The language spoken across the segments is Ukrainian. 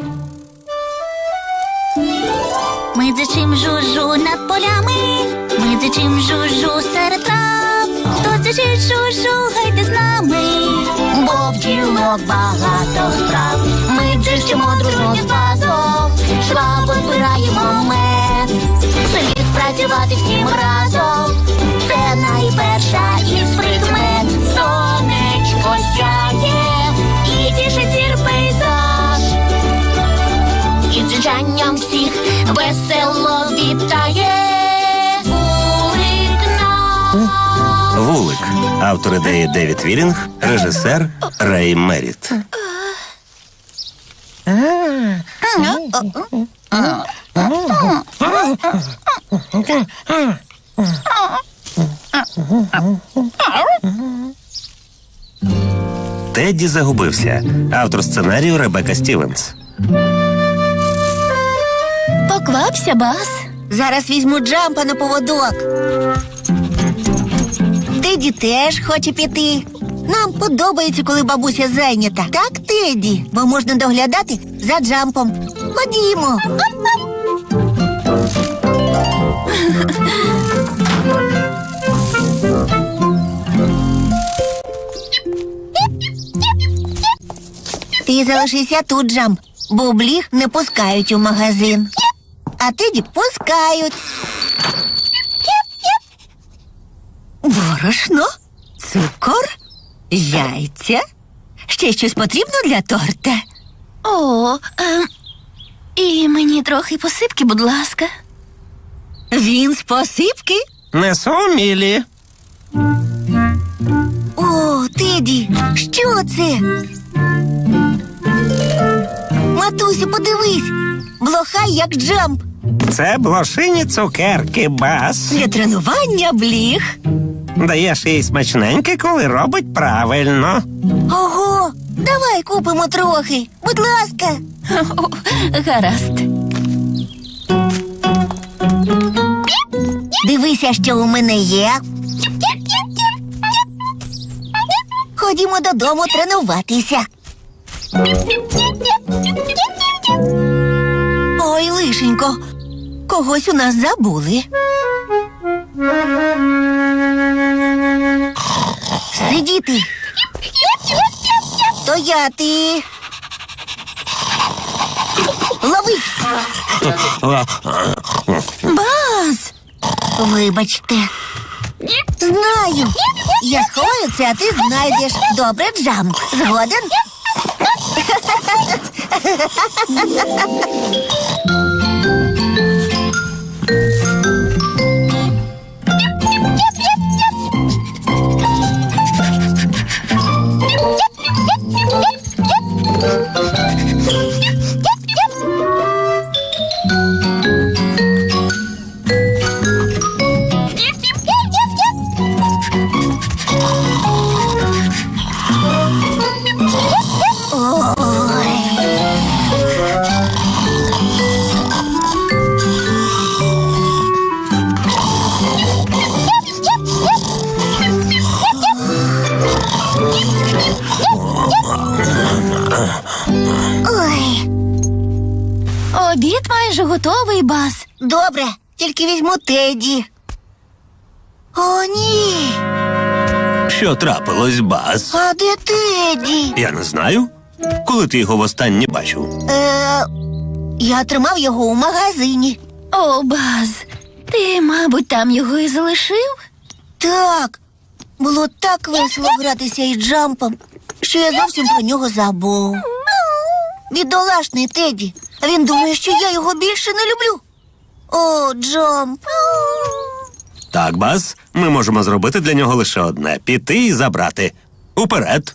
Ми дзичим жужу над полями, ми дзичим жужу серед трав. Хто дзичить жужу, гайте з нами, бо в ділок багато справ. Ми дзичимо дружно з басом, швабо збираємо мед. Слід працювати всім разом, це найперша із прикмет. Сонечко сяє і тішить зір пейзаж, і дзижанням всіх весело вітає вулик наш. Вулик. Автор ідеї Девід Вілінг, режисер Рей Меріт. Тедді загубився. Автор сценарію Ребека Стівенс. Поквапся, Бас. Зараз візьму Джампа на поводок. Теді теж хоче піти. Нам подобається, коли бабуся зайнята. Так, Теді? Бо можна доглядати за Джампом. Ходімо. Ти залишися тут, Джамп. Бубліх не пускають у магазин. А Теді пускають. Борошно, цукор, яйця. Ще щось потрібно для торта? І мені трохи посипки, будь ласка. Він з посипки? Несу Мілі. О, Теді, що це? Матусю, подивись. Блохай, як Джамп. Це блошині цукерки, Бас. Для тренування бліх. Даєш їй смачненьке, коли робить правильно. Ого, давай купимо трохи, будь ласка. Гаразд. Дивися, що у мене є. Ходімо додому тренуватися. Ой, лишенько, когось у нас забули. Сидіти. Стояти. Лови. Бас! Вибачте. Знаю. Я сховаю це, а ти знайдеш. Добре, Джамп. Згоден? Ой. Обід майже готовий, Бас. Добре, тільки візьму Теді. О, ні. Що трапилось, Бас? А де Теді? Я не знаю. Коли ти його востаннє бачив? Я тримав його у магазині. О, Бас, ти, мабуть, там його і залишив? Так, було так весело гратися із Джампом, що я зовсім про нього забув. Бідолашний Теді. Він думає, що я його більше не люблю. О, Джамп. Так, Бас, ми можемо зробити для нього лише одне – піти і забрати. Уперед!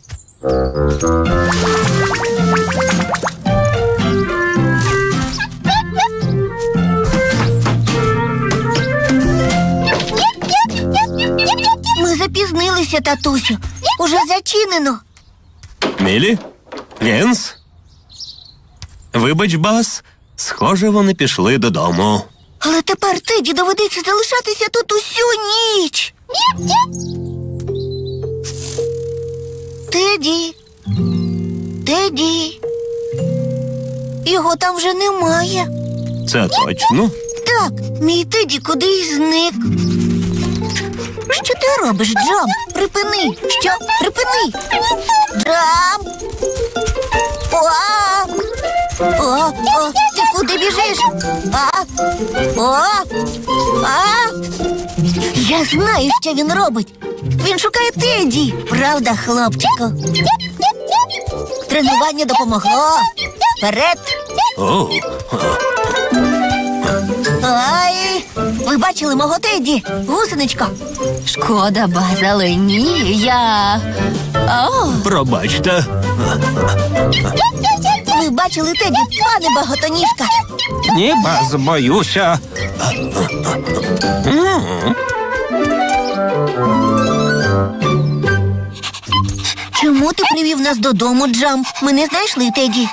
Ми запізнилися, татусю. Уже зачинено. Мілі? Вінс? Вибач, Бас, схоже, вони пішли додому. Але тепер Теді доведеться залишатися тут усю ніч. Теді. Теді. Його там вже немає. Це точно. Так, мій Теді кудись зник. Що ти робиш, Джамп? Припини! Що? Припини! Джамп! О, ти куди біжиш? Я знаю, що він робить. Він шукає Теді. Правда, хлопчику? Тренування допомогло. Вперед! О, Ай! Ви бачили мого Теді? Гусеничко. Шкода, Баз, але ні, я. О, пробачте. Ви бачили Теді, пане багатоніжка? Ні, Баз, боюся. Чому ти привів нас додому, Джамп? Ми не знайшли Теді.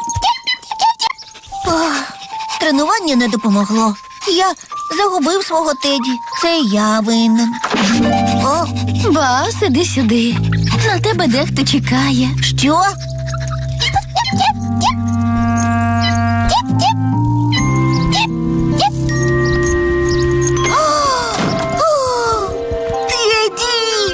Тренування не допомогло. Я загубив свого Теді. Це я винен. О, Баз, іди сюди. На тебе дехто чекає. що? О, Теді!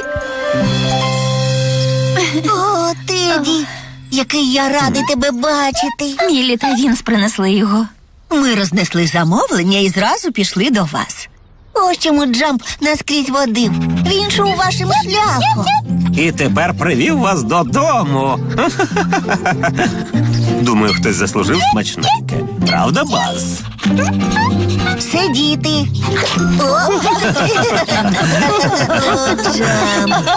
О, Теді! Який я радий тебе бачити. Мілі та Вінс принесли його. Ми рознесли замовлення і зразу пішли до вас. Ось чому Джамп наскрізь водив. Він йшов вашим шляхом. І тепер привів вас додому. Думаю, хтось заслужив смачненьке. Правда, Баз? Сидіти. О, Джамп.